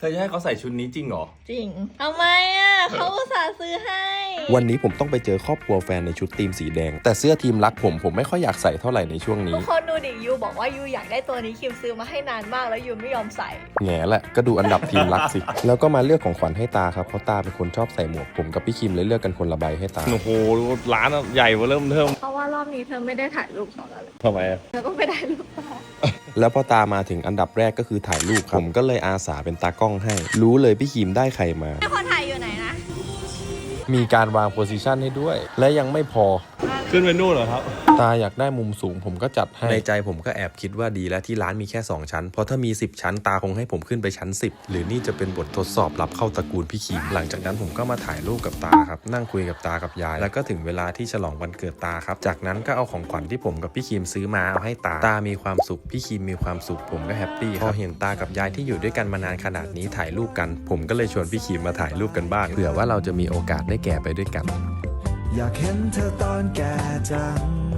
เธอจะให้เขาใส่ชุดนี้จริงเหรอจริงทำไมเขาอุตส่าห์ซื้อให้วันนี้ผมต้องไปเจอครอบครัวแฟนในชุดทีมสีแดงแต่เสื้อทีมรักผมไม่ค่อยอยากใส่เท่าไหร่ในช่วงนี้ทุกคนดูดิยูบอกว่ายูอยากได้ตัวนี้คิมซื้อมาให้นานมากแล้วยูไม่ยอมใส่แง่แหละก็ดูอันดับทีมรักสิ แล้วก็มาเลือกของขวัญให้ตาครับเพราะตาเป็นคนชอบใส่หมวกผมกับพี่คิมเลยเลือกกันคนละใบให้ตาโอ้โหร้านใหญ่เริ่มเทิมเพราะว่ารอบนี้เธอไม่ได้ถ่ายรูปของเราเลยทำไมเธอก็ไม่ได้รูปมาแล้วพอตามาถึงอันดับแรกก็คือถ่ายรูปผมก็เลยอาสาเป็นตากล้องให้รู้เลยพี่คิมได้ใครมาคนถ่ายอยู่ไหนนะมีการวางโพสิชันให้ด้วยและยังไม่พอขึ้นไปนู่นเหรอครับตาอยากได้มุมสูงผมก็จัดให้ในใจผมก็แอบคิดว่าดีแล้วที่ร้านมีแค่2ชั้นเพราะถ้ามี10ชั้นตาคงให้ผมขึ้นไปชั้น10หรือนี่จะเป็นบททดสอบรับเข้าตระกูลพี่คิมหลังจากนั้นผมก็มาถ่ายรูปกับตาครับนั่งคุยกับตากับยายแล้วก็ถึงเวลาที่ฉลองวันเกิดตาครับจากนั้นก็เอาของขวัญที่ผมกับพี่คิมซื้อมาเอาให้ตามีความสุขพี่คิมมีความสุขผมก็แฮปปี้พอเห็นตากับยายที่อยู่ด้วยกันมานานขนาดนี้ถ่ายรูปกันผมก็เลยชวนพี่คิมมาถ่ายรูปกันบ้างเผื่อว่าเราจะมีโอกาสได้แก่ไปด้วยกันอยากเห็นเธอตอนแก่จัง